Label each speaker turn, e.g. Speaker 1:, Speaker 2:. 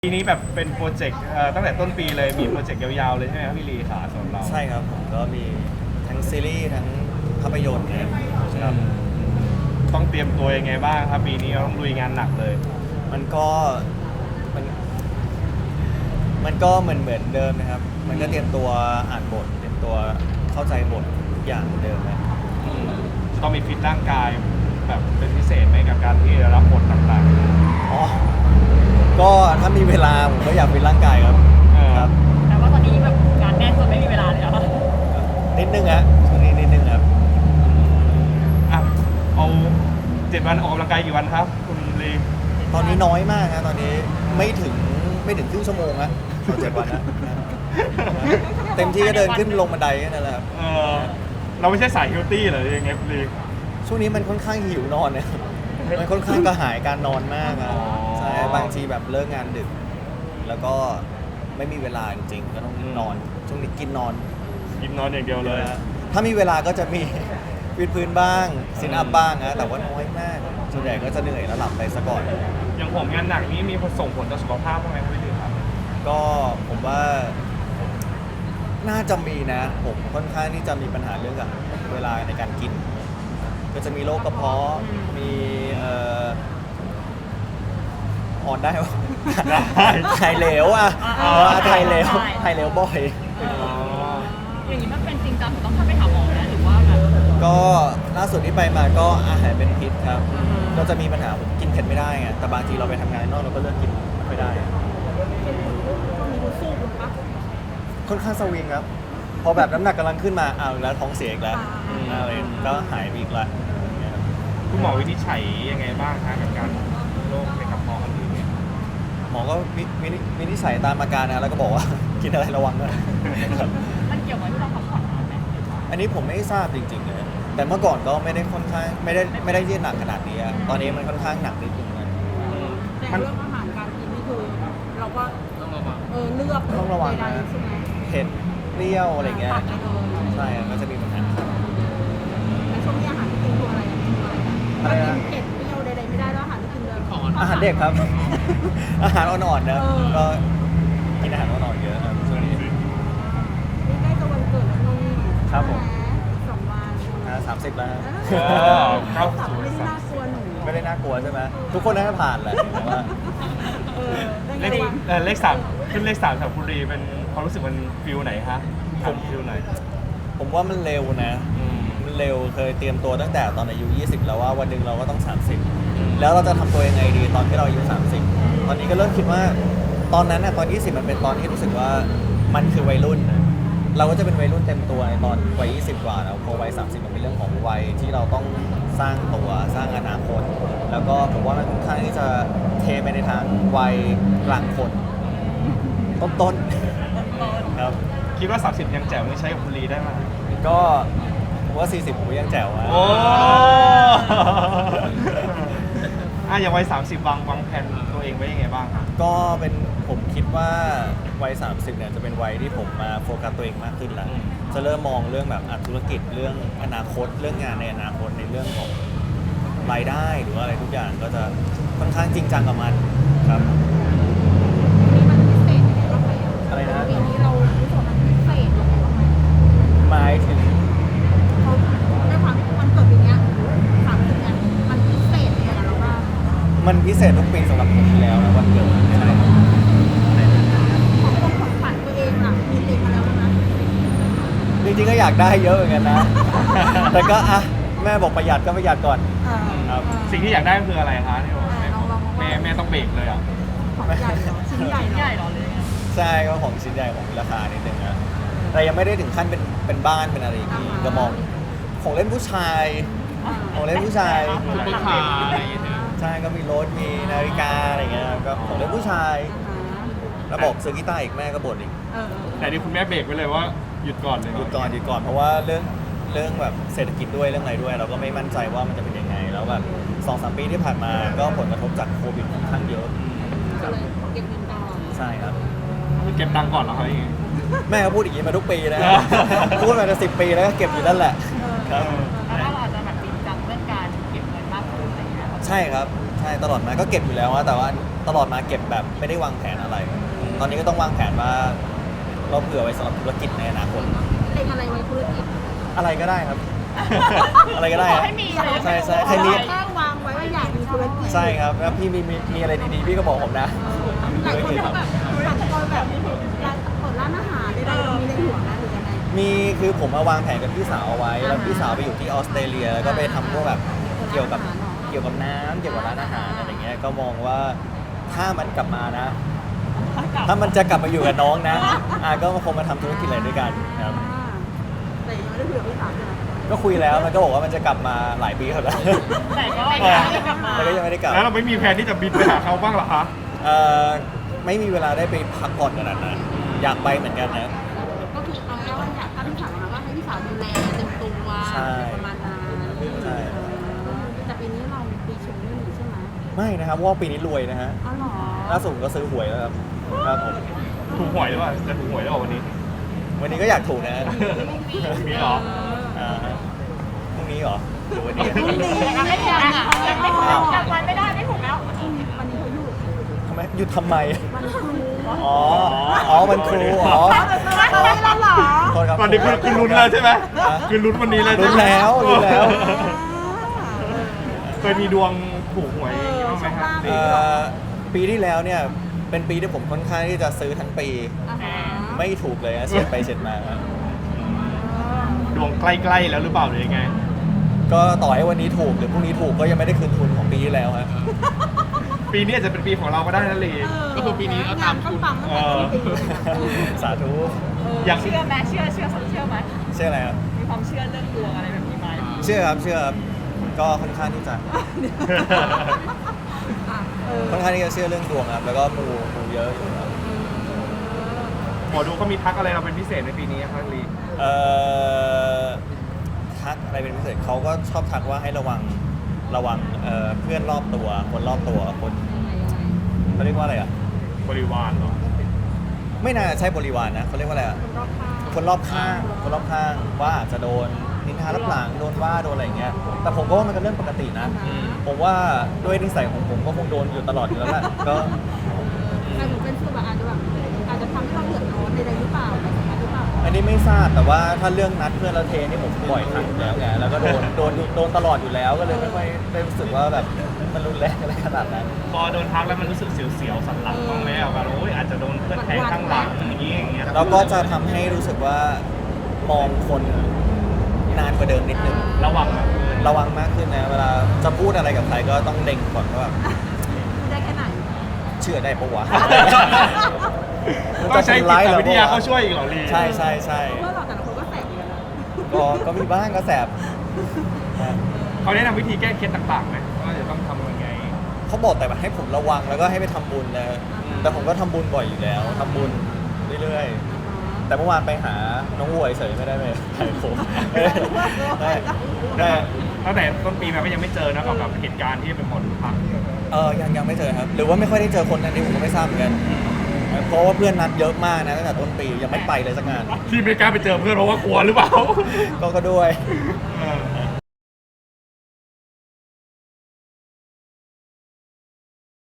Speaker 1: ปีนี้แบบเป็นโปรเจกต์ตั้งแต่ต้นปีเลยมีโปรเจกต์ยาวๆเลยใช่ไหมครับพี่ลีขาสำหรับเรา
Speaker 2: ใช่ครับผมก็มีทั้งซีรีส์ทั้งภาพยนตร์นะครับ
Speaker 1: ต้องเตรียมตัวยังไงบ้างครับปีนี้เราต้องลุยงานหนักเลย
Speaker 2: มันก็มันมันก็เหมือนเดิมนะครับ มันก็เตรียมตัวอ่านบทเตรียมตัวเข้าใจบททุกอย่างเหมือนเดิมนะ
Speaker 1: จะต้องมีฟิตร่างกายแบบเป็นพิเศษไหมกับการที่รับบทต่าง
Speaker 2: อ๋อก็ถ้ามีเวลาผมก็อยากเป็นร่างกายครับ ครับ
Speaker 3: แต่ว่าตอนนี้แบบงานแน่นจนไม่มีเวลาเลยอะ
Speaker 2: นิดนึงฮะช่วงนี้นิดนึงครับ
Speaker 1: ๆอ่ะเอา7 วันออกกำลังกายกี่วันครับ คุณลี
Speaker 2: ตอนนี้น้อยมากนะตอนนี้ไม่ถึงครึ่งชั่วโมงนะต่อ7 วันนะเต็มที่ก็เดินขึ้นลงบันไดแค่นั้นแหละครับ
Speaker 1: เราไม่ใช่สายเฮลตี้เหรอยังไงคุณลี
Speaker 2: ช่วงนี้มันค่อนข้างหิวนอนเนี่ย มันค่อนข้างกระหายการนอนมากอะใช่บางทีแบบเลิกงานดึก แล้วก็ไม่มีเวลาจริงๆก็ต้องนอน ช่วงนี้กินนอน
Speaker 1: กินนอนอย่างเดียวเลย
Speaker 2: ถ้ามีเวลาก็จะมี วิดพื้นบ้างซิทอัพบ้างนะแต่ว่าน้อยมาก ส่วนใหญ่ก็จะเหนื่อยแล้วหลับไปซะก่อน
Speaker 1: อย่างผมงานหนักนี้มีส่งผลต่อสุขภาพบ้างไหมคุณลีครับ
Speaker 2: ก็ผมว่าน่าจะมีนะ ผมค่อนข้างที่จะมีปัญหาเรื่องกับเวลาในการกิน ก็จะมีโรคกระเพาะมีอ่อนได้ปะถ่ายเหลวอ่ะถ่ายเหลวบ่อย
Speaker 3: อย่างนี้มันเป็นจริงจังถึงต้องเข้าไปหาหมอนะหรือว่าแบบ
Speaker 2: ก็ล่าสุดที่ไปมาก็อาหารเป็นพิษครับ ก็จะมีปัญหาผมกินเผ็ดไม่ได้ไงแต่บางทีเราไปทำงานนอกเราก็เลือกกินไม่ค่อยได้
Speaker 3: มีรู้สู้คุณปะ
Speaker 2: ค่อนข้างสวิงครับ พอแบบน้ำหนักกำลังขึ้นมาอ้าวแล้วท้องเสียอีกแล้วอะไรก็หายไปอีกแล้ว
Speaker 1: คุณหมอวินิจฉัยยังไงบ้างคะกับการโรคในกระเพาะอันนี้เนี่ย
Speaker 2: หมอก็วินิจฉัยตามอาการนะแล้วก็บอกว่า กินอะไรระวังด้วยครับ
Speaker 3: มันเกี่ยวกับที่เราพักผ่อนน้อยไหม
Speaker 2: อันนี้ผมไม่ทราบจริงๆเลยแต่เมื่อก่อนก็ไม่ได้ค่อนข้างไม่ได้ที่หนักขนาดนี้อะตอนนี้มันค่อนข้างหนักนิดนึงนะ
Speaker 4: แต่เรื่องอาหารการกินนี่คือเราก็ต้องระวังเลือก
Speaker 2: ต้องระวัง
Speaker 4: ใด
Speaker 2: นะ
Speaker 4: ๆใช่ไหม
Speaker 2: เผ็ดเปรี้ยวอะไรเงี้ย
Speaker 4: ตัดไปเลย
Speaker 2: ใช่อะก็จะมีปัญหา
Speaker 4: ในช่วงนี้อาหารที่กินคืออะไรเมนูอะไร
Speaker 2: อะไร
Speaker 4: ถ้า
Speaker 2: นะ
Speaker 4: กินเผ็ดเปรี้ยวใดๆไม่ได้แล้วอาหารที่กินเลย
Speaker 2: อาหารเด็กครับ อาหารอ่อนๆนะ
Speaker 4: เออ
Speaker 2: ก็กินอาหารอ่อนๆเยอะครับช่วงนี้
Speaker 4: นี่ใกล้จะวันเกิดแล้วนุ่ม
Speaker 2: ครับผม
Speaker 4: 2 วัน
Speaker 2: 30แล้วฮะ
Speaker 1: เข้า
Speaker 4: ตับ
Speaker 1: สู่
Speaker 4: ไม่ได้น่ากลัวหนู
Speaker 2: ไม่ได้น่ากลัวใช่ไหมทุกคนน่าจะผ่านแหละแต่ว่า
Speaker 4: ได้
Speaker 1: เล
Speaker 4: ไง
Speaker 1: ข
Speaker 4: วะ
Speaker 1: เลขสามขึ้นเลข3สำหรับคุณลีเป็นความรู้สึกมันฟิลไหนคะผมฟิลไหน
Speaker 2: ผมว่ามันเร็วนะ มันเร็วเคยเตรียมตัวตั้งแต่ตอนอายุ 20 แล้วว่าวันหนึ่งเราก็ต้อง 30 แล้วเราจะทำตัวยังไงดีตอนที่เราอายุ 30 ตอนนี้ก็เริ่มคิดว่าตอนนั้นนะตอน 20 มันเป็นตอนที่รู้สึกว่ามันคือวัยรุ่นนะเราก็จะเป็นวัยรุ่นเต็มตัวในตอนวัย 20 กว่าแล้วพอวัย 30 มันเป็นเรื่องของวัยที่เราต้องสร้างตัวสร้างอนาคต แล้วก็ผมว่ามันค่อนข้างที่จะเทไปในทางวัยกลางคนต้นๆครับ
Speaker 1: คิดว่า 30 ยังแจ๋วยังใช้กับคุณลีได้ไหม
Speaker 2: ก็ผมว่า 40 ผมยังแจ๋วอะ
Speaker 1: โอ้อย่างวัย30วางแผนตัวเองไว้ยังไงบ้างครับ
Speaker 2: ก็เป็นผมคิดว่าวัย 30 เนี่ยจะเป็นวัยที่ผมมาโฟกัสตัวเองมากขึ้นแล้ว จะเริ่มมองเรื่องแบบธุรกิจเรื่องอนาคต เรื่องงานในอนาคตในเรื่องของรายได้หรือว่าอะไรทุกอย่างก็จะค่อนข้างจริงจังกับมันครับ
Speaker 4: นี่มันพิเศษยังไงบ้างไหม
Speaker 2: อะไรนะ
Speaker 4: ปีนี้เรารู้สึกว่ามันพิเศษยังไงบ้างไหม
Speaker 2: หมายถึง
Speaker 4: เขาด้วยความที่มันเกิดปีเนี้ย30เนี่ยมันพิเศษยังไงกับเราบ้าง
Speaker 2: มันพิเศษทุกปีสำหรับผมอยู่แล้วนะวันเกิดใช่
Speaker 4: ของขวัญตัวเองล่ะมีติดมาแล้วนะ
Speaker 2: จริงๆก็อยากได้เยอะเหมือนกันนะ แต่ก็อ่ะแม่บอกประหยัดก็ประหยัดก่อน ครับ
Speaker 1: สิ่งที่อยากได้คืออะไรคะที่บอกแม่ต้องเบรกเลยอ่ะ
Speaker 4: ของใหญ่เหรอชิ้นใหญ่
Speaker 3: ใหญ่
Speaker 4: เหรอ
Speaker 3: หรอเลย
Speaker 2: ใช่ก็ของชิ้นใหญ่ของมีราคานิดนึงนะแต่ยังไม่ได้ถึงขั้นเป็นบ้านเป็นอะไรอย่างนี้ก็มองของเล่นผู้ชายของเล่นผู้ชาย
Speaker 1: ซุปเปอร์คาร์อะไรอย่างเงี้ย
Speaker 2: ใช่ก็มีรถมีนาฬิกาอะไรเงี้ยก็ของเล่นผู้ชาย แล้วบอกซื้อกีตาร์อีกแม่ก็บ่นอีก
Speaker 1: แต่นี่คุณแม่เบรกไว้เลยว่าหยุดก่อนเลย
Speaker 2: หยุดก่อนเพราะว่าเรื่องแบบเศรษฐกิจด้วยเรื่องอะไรด้วย เราก็ไม่มั่นใจว่ามันจะเป็นยังไงแล้วแบบ2-3 ปีที่ผ่านมาก็ผลกระทบจากโควิดค่อนข้างเยอะ
Speaker 4: ก็เลยเก็บเงินก่อน
Speaker 2: ใช่ครับ
Speaker 1: เก็บตังค์ก่อนเหรอครับอย่างงี้
Speaker 2: แม่ก็พูดอย่างนี้มาทุกปีนะ พูดมาจะ10 ปีแล้วก็เก็บอยู่นั่นแหละครับ
Speaker 3: แล้วถ้าเราอาจจะแบบจริงจังเรื่องการเก็บเงินมากขึ้นอะไรอย่างเงี้ย
Speaker 2: ใช่ครับใช่ตลอดมาก็เก็บอยู่แล้วนะแต่ว่าตลอดมาเก็บแบบไม่ได้วางแผนอะไร ตอนนี้ก็ต้องวางแผนว่าเราเผื่อไว้สำหรับธุรกิจในอนาคต
Speaker 4: เล็งอะไรไว้ธุรกิจ
Speaker 2: อะไรก็ได้ครับ อะไรก็ได้
Speaker 3: ขอ
Speaker 2: ครับ
Speaker 3: ให้มีเลย
Speaker 2: ใช่ใช่ใครมี
Speaker 4: แค่วางไว้ว่าอยากมีธุรกิจ
Speaker 2: ใช่ครับแล้วพี่มีอะไรดีๆพี่ก็บอกผมนะ
Speaker 4: หลายคนเขาแบบอยากเปิดร้านอาหารใดๆเรามีในหัวนะหรือยังไง
Speaker 2: มีคือผมมาวางแผนกับพี่สาวเอาไว้ แล้วพี่สาวไปอยู่ที่ออสเตรเลียแล้วก็ไปทำพวกแบบเกี่ยวกับน้ำเกี่ยวกับร้านอาหารอะไรเงี้ยก็มองว่าถ้ามันกลับมานะ ถ้ามันจะกลับมาอยู่กับน้องนะก็คงมาทำธุรกิจอะไรด้วยกันครับ
Speaker 4: แต่ยังไม่ได้คุยกับพี่สาวใช่ไหม
Speaker 2: ก็คุยแล้วมันก็บอกว่ามันจะกลับมาหลายปีแล้ว
Speaker 3: แต่ก็ไม่ได้กลับมา
Speaker 2: แต่ก็ยังไม่ได้กลับ
Speaker 1: แล้วเราไม่มีแผนที่จะบินไปหาเขาบ้างเหรอคะ
Speaker 2: ไม่มีเวลาได้ไปพักผ่อนขนาดนั้นอยากไปเหมือนกันนะ
Speaker 4: ก็คือเอาแค่ว่าอยากถ้าพี่สาวนะว่าให้พี่สาวดูแลเต็มตัว
Speaker 2: ใช่
Speaker 4: ประมาณนั้น
Speaker 2: ใช่
Speaker 4: แต่ปีนี้เราปีชงไม่มีใช่ไหม
Speaker 2: ไม่นะครับเพราะว่าปีนี้รวยนะฮะ
Speaker 4: อ๋อเหรอ
Speaker 2: ล่าสุดก็ซื้อหวยแล้วครับครับผม
Speaker 1: ถูกหวยหรือเปล่าจะถูกหวยหรือเปล่าวันนี้
Speaker 2: วันนี้ก็อยากถูกนะ
Speaker 1: มีเหรอ
Speaker 2: พรุ่งนี้เหรอหรือวันนี้
Speaker 4: พรุ่งนี้
Speaker 3: ยังไม่ถูกอ่ะยังไม่ถูกจำวันไม่ได้ไม่ถูกแล้ว
Speaker 4: วันนี้เขาอยู่
Speaker 2: ทำไมหยุดทำไม
Speaker 4: วันครู
Speaker 2: อ๋อวันครูอ๋อ
Speaker 4: เฮ้ยแล้วเหรอ
Speaker 2: โทษครับ
Speaker 1: ตอนนี้คือลุ้นแล้วใช่ไหมคือลุ้นวันนี้เลย
Speaker 2: ลุ้นแล้วลุ้นแล้ว
Speaker 1: เคยมีดวงถูกหวยอย่างนี้บ้างไหมครับ
Speaker 2: ปีที่แล้วเนี่ยเป็นปีที่ผมค่อนข้างที่จะซื้อทั้งปี ไม่ถูกเลยนะเฉียดไปเฉียดมาครับ
Speaker 1: ดวงใกล้ๆแล้วหรือเปล่าหรือยังไง
Speaker 2: ก็ต่อให้วันนี้ถูกหรือพรุ่งนี้ถูกก็ยังไม่ได้คืนทุนของปีที่แล้วฮะ
Speaker 1: ปีนี้อาจจะเป็นปีของเราก็ได้นะลี
Speaker 4: ก็คือปีนี้เอาตามทุนปังตั้งแต่ต้นปี
Speaker 2: สาธุ
Speaker 1: อย่าง
Speaker 3: เชื่อไหมเชื่อไหม
Speaker 2: เชื่ออะไรครับ
Speaker 3: มีความเชื่อเรื่องดวงอะไรแบบนี้ไหม
Speaker 2: เชื่อครับก็ค่อนข้างที่จะค่อนข้างที่จะเชื่อเรื่องดวงครับแล้วก็มูเยอะอยู่ครับ
Speaker 1: หมอดูเขามีทักอะไรเราเป็นพิเศษในปีนี้ครับลี
Speaker 2: ทักอะไรเป็นพิเศษเขาก็ชอบทักว่าให้ระวังเพื่อนรอบตัวคนรอบตัวคนเขาเรียกว่าอะไรอ่ะ
Speaker 1: บริวารเหรอ
Speaker 2: ไม่น่าใช่บริวารนะเขาเรียกว่าอะไรอ่ะคนรอบข้างว่าอาจจะโดนนินทารับหลังโดนว่าโดนอะไรอย่างเงี้ยแต่ผมก็ว่ามันก็เรื่องปกตินะผมว่าด้วยนิสัยของผมก็คงโดนอยู่ตลอดอยู่แล้วแหละก็
Speaker 4: แต่หนูเป็นคือแบบอาจจะทำให้เราเดือดร้อนใดๆหรือเปล่าอะไรแบบนี้หรือเปล่า
Speaker 2: อันนี้ไม่ทราบแต่ว่าถ้าเรื่องนัดเพื่อนเราเทนี่ผมบ่อยครั้งอยู่แล้วไงแล้วก็โดนตลอดอยู่แล้วก็เลยไม่ค่อยได้รู้สึกว่าแบบมันรุนแรงอะไรขนาดนั้น
Speaker 1: พอโดนทักแล้วมันรู้สึกเสียวๆสันหลังบ้างไหมแบบโอ้ยอาจจะโดนเพื่อนแทงข้างหลังอย่างเงี้ย
Speaker 2: เราก็จะทำให้รู้สึกว่ามองคนนานกว่าเดิมนิดนึง
Speaker 1: ระวังนะ
Speaker 2: ระวังมากขึ้นนะเวลาจะพูดอะไรกับใครก็ต้องเล็งก่อนว่าแบบ
Speaker 4: ได้แค่ไหน
Speaker 2: เชื่อได้ปะวะ
Speaker 1: ต้องใช้จิต
Speaker 2: เร
Speaker 1: วิทยาเขาช่วยอีกเหรอลี
Speaker 2: ใช่
Speaker 4: เพื่อนเราแต่ละคนก็แสบอยู่นะ
Speaker 2: ก็มีบ้างก็แสบ
Speaker 1: เขาแนะนำวิธีแก้เคล็ดต่างๆไหมว่าจะต้องทำยังไง
Speaker 2: เขาบอกแต่แบบให้ผมระวังแล้วก็ให้ไปทำบุญนะแต่ผมก็ทำบุญบ่อยอยู่แล้วทำบุญเรื่อยๆแต่เมื่อวานไปหาน้องวัวเฉยไม่ได้ไปถ่ายผมได้
Speaker 1: ตั้งแต่ต้นปีมาก็ยังไม่เจอนะกับเหตุการณ์ที่เป็นหมอดูทัก
Speaker 2: ยังไม่เจอครับ หรือว่าไม่ค่อยได้เจอคนนั้นนี่ผมก็ไม่ทราบเหมือนกันเพราะว่าเพื่อนนัดเยอะมากนะตั้งแต่ต้นปียังไม่ไปเลยสักงาน
Speaker 1: ที่ไม่กล้าไปเจอเพื่อนเพราะว่ากลัวหรือเปล่า
Speaker 2: ก็ด้วย
Speaker 1: เออ